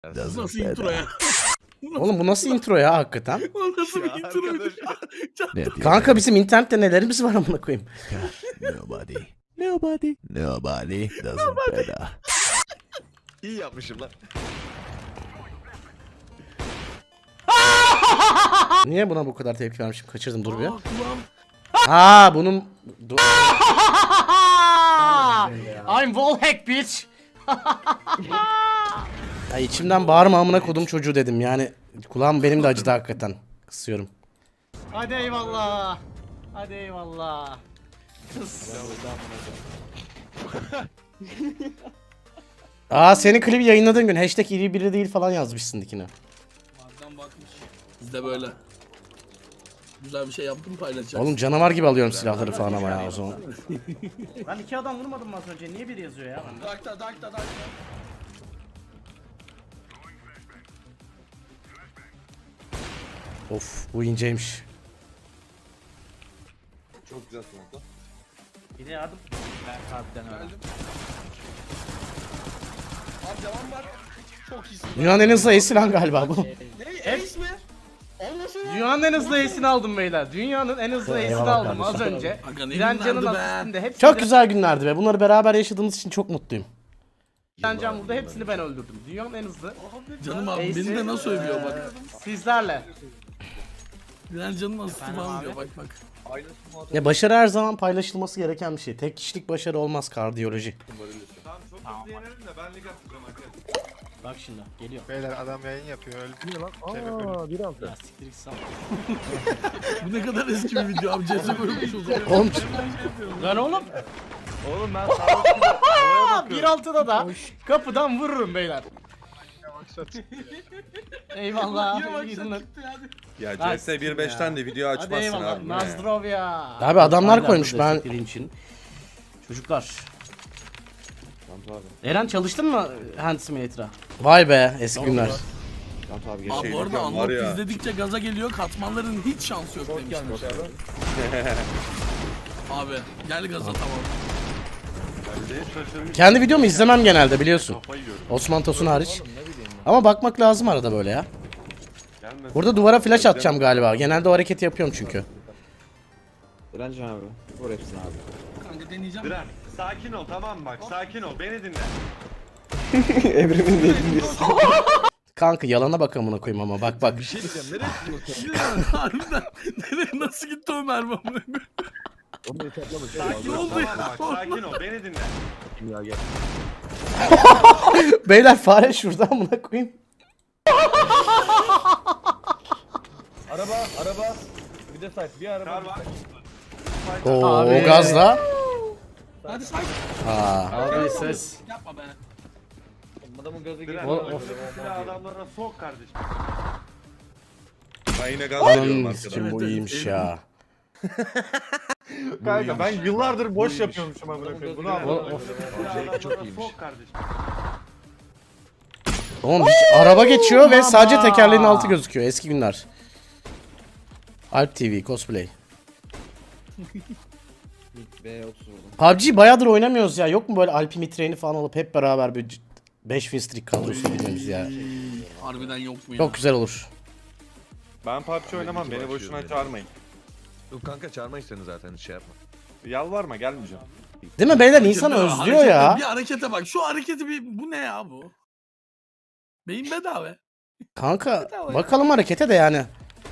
Nasıl intro ya? Oğlum bu nasıl intro ya hakikaten? O nasıl bir introydu? Kanka bizim internette nelerimiz var amına koyayım. Nobody doesn't better. İyi yapmışım lan. Niye buna bu kadar tepki vermişim? Kaçırdım dur bir. Kulağım. Aa bunun... I'm wallhack bitch. Ya içimden bağırma amına kodum çocuğu dedim yani. Kulağım benim de acıdı hakikaten. Kısıyorum. Hadi eyvallah. Hadi eyvallah. Kıs. Aa senin klibi yayınladığın gün hashtag iri biri değil falan yazmışsın dikine. Madem bakmış. Biz de böyle. Güzel bir şey yaptım paylaşacağız. Oğlum canavar gibi alıyorum silahları falan ama ya o zaman. Ben iki adam vurmadım mı az önce? Niye biri yazıyor ya? Dakta. Of bu inceymiş. Çok güzel smoke'la. Bir de yardım. Geldim. Abi devam var. Çok iyisin. Dünyanın en hızlı ace'ini lan galiba bu. Ne? Ace mi? Olmasın ya. Dünyanın en hızlı ace'ini aldım beyler. Dünyanın en hızlı ace'ini aldım az önce. Aga ne Direncan'ın günlerdi be. asistinde hepsini... Çok güzel günlerdi be. Bunları beraber yaşadığımız için çok mutluyum. Direncan burada hepsini ben öldürdüm. Dünyanın en hızlı Canım abi Ace'i- beni de nasıl övüyor bak. sizlerle. Bilen canım asisti falan diyor bak. Aynı smoke'la. Ya başarı her zaman paylaşılması gereken bir şey. Tek kişilik başarı olmaz kardiyoloji. Tamam çok hızlı yenerim de ben lig atacağım arkadaşlar. Bak şimdi geliyor. Beyler adam yayın yapıyor öldü lan. Aa, Ya siktir git sal. Bu ne kadar eski bir video abi. Cezve bölünmüş o zaman. Oğlum. Lan oğlum. Oğlum ben sağ 1.6'da da kapıdan vururum beyler. Eyvallah. iyi günler. Ya Lan CS 1.5'ten de video Hadi açmazsın eyvallah. abi. bu ne? Nazdrovya. Abi adamlar koymuş ben. Için. Çocuklar. Eren çalıştın mı Hand Simulator'a? Vay be eski günler. Abi Şey bu arada diyeceğim, var Unlock ya. izledikçe gaza geliyor. Katmanların hiç şansı yok demişler. Abi gel gaza tamam. Kendi videomu izlemem genelde biliyorsun. Osman Tosun hariç. Ama bakmak lazım arada böyle ya. Burada duvara flash atacağım galiba. Genelde o hareketi yapıyorum çünkü. Direncan abi. Vur hepsini abi. Kanka deneyeceğim. Diren sakin ol tamam mı bak sakin ol beni dinle. Evrimin dediğini Kanka yalana bak amına koyayım ama bak bak. Bir şey diyeceğim nereye Harbiden nereye nasıl gitti o mermi amına koyayım? sakin ol tamam mı bak sakin ol beni dinle. Beyler fare şurada amına koyayım. araba. Bir de site bir araba. Kar var. Oo Abi. gazla. Hadi sakin. Aa. Abi ses. Yapma be. Adamın gazı Diren O- önündeki silah adamlarına sok kardeşim. Ben yine gaz veriyorum Anam arkadan. sikim bu iyiymiş ya. Kanka ben yıllardır boş yapıyormuşum amına koyayım. Bunu anladım. Silah adamlarına sok kardeşim. Oğlum araba geçiyor ve sadece tekerleğin altı gözüküyor. Eski günler. Alp TV cosplay. B30 vurdum. PUBG bayağıdır oynamıyoruz ya. Yok mu böyle Alp'i mitreni falan alıp hep beraber bir 5 win streak kadrosu girmemiz ya. Harbiden yok mu ya? Çok güzel olur. Ben PUBG oynamam beni boşuna çağırmayın. Yok kanka çağırmayız seni zaten hiç şey yapma. Yalvarma gelmeyeceğim. Değil mi beyler insan özlüyor ya. Bir harekete bak. Şu hareketi bu ne ya bu? Beyin bedava. Kanka bakalım harekete de yani.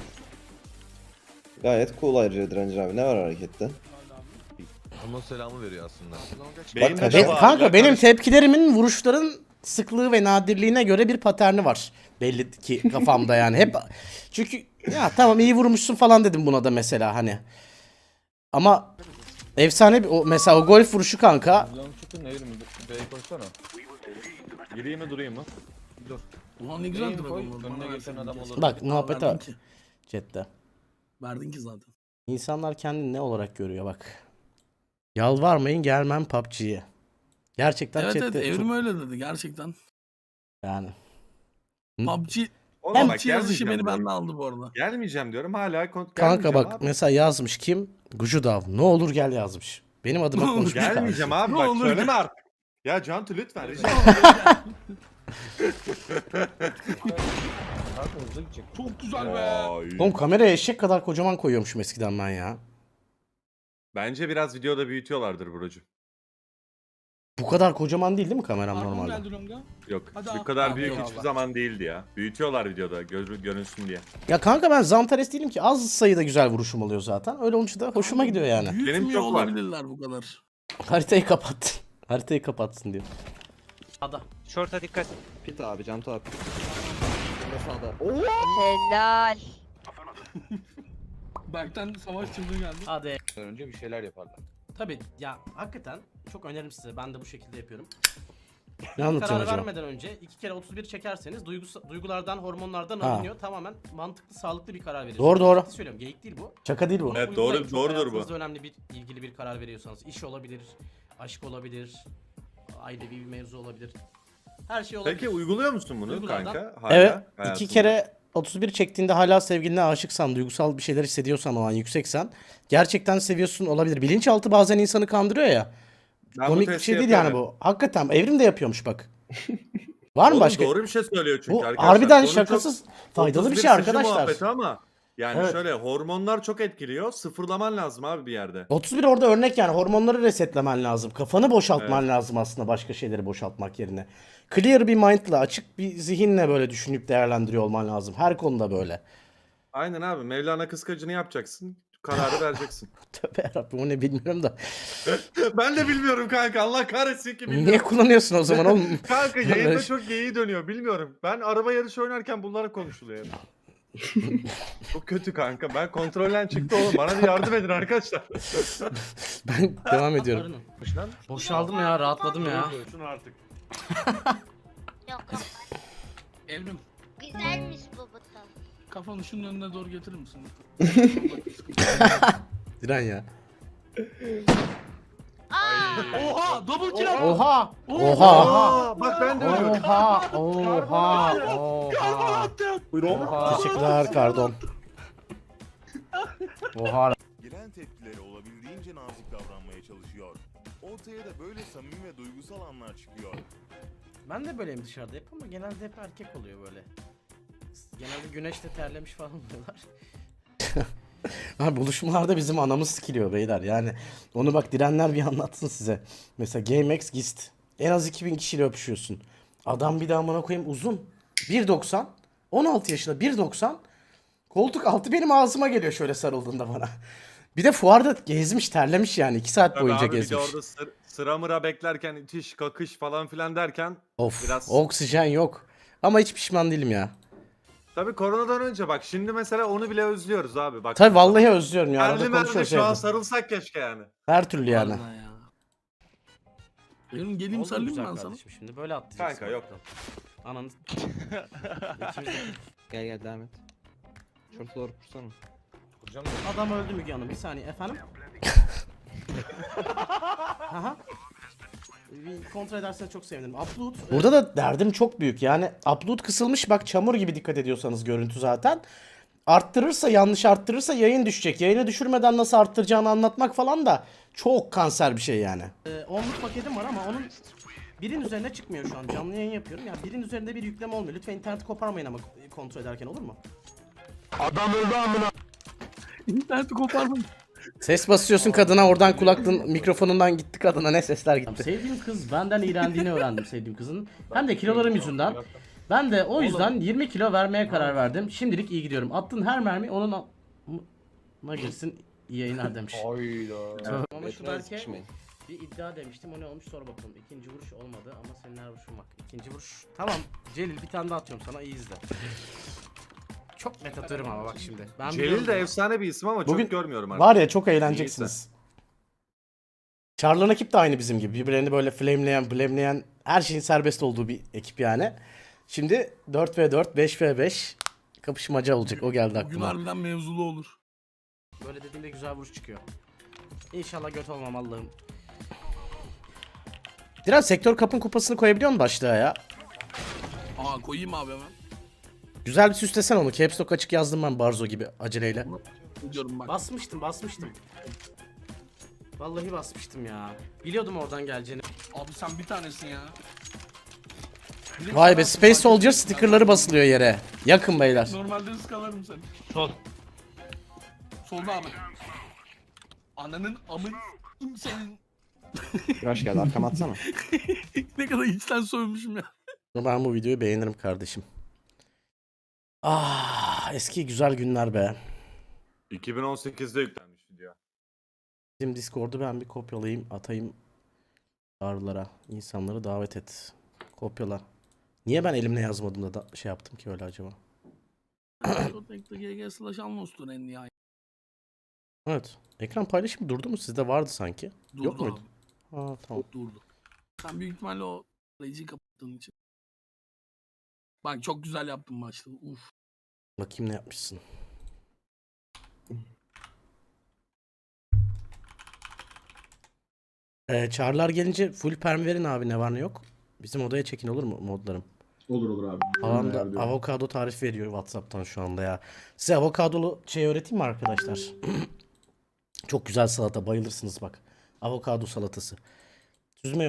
Gayet cool ayrıca Direncan abi. Ne var harekette? Onun selamı veriyor aslında. Beyin Be- bedava kanka abi, benim kardeşim. tepkilerimin vuruşların sıklığı ve nadirliğine göre bir paterni var. Belli ki kafamda yani. Hep çünkü ya tamam iyi vurmuşsun falan dedim buna da mesela hani. Ama efsane bir o mesela o golf vuruşu kanka. Çıkın ne yürüyün? B'ye koşsana. Gireyim mi durayım mı? Ulan ne güzel duruyor. Önüne geçen adam olur. Bak muhabbete Verdin bak. ki. Chatte. Verdin ki zaten. İnsanlar kendini ne olarak görüyor bak. Yalvarmayın gelmem PUBG'ye. Gerçekten Evet chatte evet çok- Evrim öyle dedi gerçekten. yani. PUBG, Oğlum bak, PUBG yazışı gelmeyeceğim beni diyorum. benden aldı bu arada. Gelmeyeceğim diyorum hala Kanka gelmeyeceğim bak abi. mesela yazmış kim? Gucudav. Ne olur gel yazmış. Benim adıma Ne olur konuşmuş. Gelmeyeceğim kardeşim. abi Ne bak olur söyleme artık. Ya Cantu lütfen rica Kanka hızlı gidecek. Çok güzel be. Vay. Oğlum kameraya eşek kadar kocaman koyuyormuşum eskiden ben ya. Bence biraz videoda büyütüyorlardır Buracığım. Bu kadar kocaman değil mi kameram Armon normalde? geldi Longa. Yok Hadi bu abi. kadar Abi, büyük eyvallah. hiçbir zaman değildi ya. Büyütüyorlar videoda görünsün diye. Ya kanka ben Zantares değilim ki, az sayıda güzel vuruşum oluyor zaten. Öyle olunca da hoşuma gidiyor yani. Büyütmüyor çok var. olabilirler bu kadar. Haritayı kapat. Haritayı kapatsın diyor. Ada. Short'a dikkat. Pit abi, Cantu abi. Şimdi sağda. Helal. Berk'ten savaş çıldığı geldi. Hadi. Önce bir şeyler yaparlar. Tabii ya, hakikaten çok öneririm size. Ben de bu şekilde yapıyorum. Ne Karar anlatıyorsun acaba? vermeden önce 2 kere 31 çekerseniz duygulardan, hormonlardan Ha. alınıyor. Tamamen mantıklı, sağlıklı bir karar veriyorsunuz. Doğru, doğru. Ciddi söylüyorum. Geyik değil bu. Şaka değil bu. Evet, Uygulayın. doğru- Çok doğrudur bu. hayatınızda önemli bir, ilgili bir karar veriyorsanız. İş olabilir, aşk olabilir, ailevi bir mevzu olabilir. Her şey olabilir. Peki uyguluyor musun bunu Duygulardan- kanka? Hala Evet. İki hayatında? kere 31 çektiğinde hala sevgiline aşıksan, duygusal bir şeyler hissediyorsan, o an yükseksen, gerçekten seviyorsun olabilir. Bilinçaltı bazen insanı kandırıyor ya. Ben bu Komik bir testi şey değil yani yapıyorum. bu. Hakikaten Evrim de yapıyormuş bak. Var mı Oğlum başka? doğru bir şey söylüyor çünkü Bu arkadaşlar. harbiden Konu şakasız çok- faydalı bir 31 şey sıçı arkadaşlar. muhabbeti ama yani Evet. şöyle hormonlar çok etkiliyor. Sıfırlaman lazım abi bir yerde. 31 orada örnek yani, hormonları resetlemen lazım. Kafanı boşaltman lazım aslında, başka şeyleri boşaltmak yerine. Clear bir mind'la, açık bir zihinle böyle düşünüp değerlendiriyor olman lazım. Her konuda böyle. Aynen abi. Mevlana kıskacını yapacaksın. Kararı vereceksin. Tövbe yarabbim, o ne bilmiyorum da. Ben de bilmiyorum kanka. Allah kahretsin ki bilmiyorum. Niye kullanıyorsun o zaman oğlum? Kanka yayında çok geyiği dönüyor. Bilmiyorum. Ben araba yarışı oynarken bunlara konuşuluyor. hep. Çok kötü kanka. Ben kontrolden çıktı oğlum. Bana bir yardım edin arkadaşlar. Ben devam ediyorum. Boşaldım ya, rahatladım ya. Şunu artık. Yok yok. Evrim, Güzelmiş bu buton. kafanı şunun önüne doğru getirir misin? Diren ya. Oha! Double kill attı! Oha! Oha! Aa, bak ben de öyle. Oha! Oha! Oha! Oha! Teşekkürler Kardon. Oha! Gelen tepkilere olabildiğince nazik davranmaya çalışıyor. Ortaya da böyle samimi ve duygusal anlar çıkıyor. Ben de böyleyim dışarıda hep, ama genelde hep erkek oluyor böyle. Genelde güneşte terlemiş falan oluyorlar. Abi buluşmalarda bizim anamız sikiliyor beyler yani. Onu bak Direnler bir anlatsın size. Mesela GameX Gist. En az 2000 kişiyle öpüşüyorsun. Adam bir daha amına koyayım uzun. 1.90. 16 yaşında 1.90. Koltuk altı benim ağzıma geliyor şöyle sarıldığında bana. Bir de fuarda gezmiş, terlemiş yani. 2 saat Tabii boyunca abi, bir de gezmiş. orada sıra mıra beklerken itiş kakış falan filan derken Of, biraz- oksijen yok. Ama hiç pişman değilim ya. tabii koronadan önce bak şimdi mesela onu bile özlüyoruz abi. Bak. Tabii vallahi özlüyorum ya. Merli Arada merli konuşuyoruz şu an evde. sarılsak keşke yani. Her türlü yani. Vallahi ya. Evrim geleyim Oldu sarılayım güzel ben sana. kardeşim, şimdi böyle atlayacaksın. Kanka yok. Ananı... Gel gel devam et. Şurada doğru kursana. Kuracağım Adam öldü Müge Hanım, bir saniye efendim. Aha. Bir kontrol ederseniz çok sevinirim. Upload. Burada da derdim çok büyük. Yani upload kısılmış, bak çamur gibi, dikkat ediyorsanız görüntü zaten. Arttırırsa, yanlış arttırırsa yayın düşecek. Yayını düşürmeden nasıl arttıracağını anlatmak falan da çok kanser bir şey yani. 10'luk paketim var ama onun birin üzerine çıkmıyor şu an. Canlı yayın yapıyorum. Yani birin üzerinde bir yükleme olmuyor. Lütfen interneti koparmayın ama kontrol ederken, olur mu? İnterneti koparmayın. Ses basıyorsun kadına, oradan kulaklığın mikrofonundan gitti kadına, ne sesler gitti. Sevdiğim kız benden iğrendiğini öğrendim, sevdiğim kızın. Hem de kilolarım yüzünden. Ben de o yüzden 20 kilo vermeye karar verdim. Şimdilik iyi gidiyorum. Attığın her mermi onun na girsin, iyi yayınlar demiş. Hayda. Ama şu Berke bir iddia demiştim, o ne olmuş sor bakalım. İkinci vuruş olmadı ama senin her vuruşun bak. İkinci vuruş. Tamam Celil, bir tane daha atıyorum sana, iyi izle. Çok net atıyorum ama bak şimdi. Ben Celil biliyorum de bunu. efsane bir isim ama Bugün çok görmüyorum artık. Var ya, çok eğleneceksiniz. Charlan ekip de aynı bizim gibi. Birbirlerini böyle flameleyen, her şeyin serbest olduğu bir ekip yani. Şimdi 4v4, 5v5 kapışmaca olacak. O geldi Bugün aklıma. harbiden mevzulu olur. Böyle dediğinde güzel vuruş çıkıyor. İnşallah göt olmam Allah'ım. Diren, sektör kapın kupasını koyabiliyor musun başlığa ya? Aa koyayım abi hemen. Güzel bir süslesen onu. Caps Lock açık yazdım ben Barzo gibi aceleyle. Gidiyorum bak. Basmıştım. Vallahi basmıştım ya. Biliyordum oradan geleceğini. Abi sen bir tanesin ya. Vay be, Space Soldier stickerları basılıyor yere. Yakın beyler. Normalde ıskalarım seni. Sol. Solda abi. Ananın amın senin. Hoş geldin, arkama atsana. Ne kadar içten soymuşum ya. Ben bu videoyu beğenirim kardeşim. Ah, eski güzel günler be. 2018'de yüklenmiş video. Bizim Discord'u ben bir kopyalayayım, atayım çağrılara. İnsanları davet et. Kopyala. Niye ben elimle yazmadım da şey yaptım ki öyle acaba? Protect'te GG/Almos'tur en nihayet. Evet. Ekran paylaşımı durdu mu? Sizde vardı sanki. Durdu Yok muydu? abi, Ha tamam. durdu. Sen büyük ihtimalle o Rage'i kapattığın için. Bak çok güzel yaptın maçta. Uf. Bakayım ne yapmışsın. Çağrılar gelince full perm verin abi, ne var ne yok. Bizim odaya çekin, olur mu modlarım? Olur abi. Havam da Ayarlıyorum. avokado tarif veriyor WhatsApp'tan şu anda ya. Size avokadolu şey öğreteyim mi arkadaşlar? Çok güzel salata, bayılırsınız bak. Avokado salatası. Süzme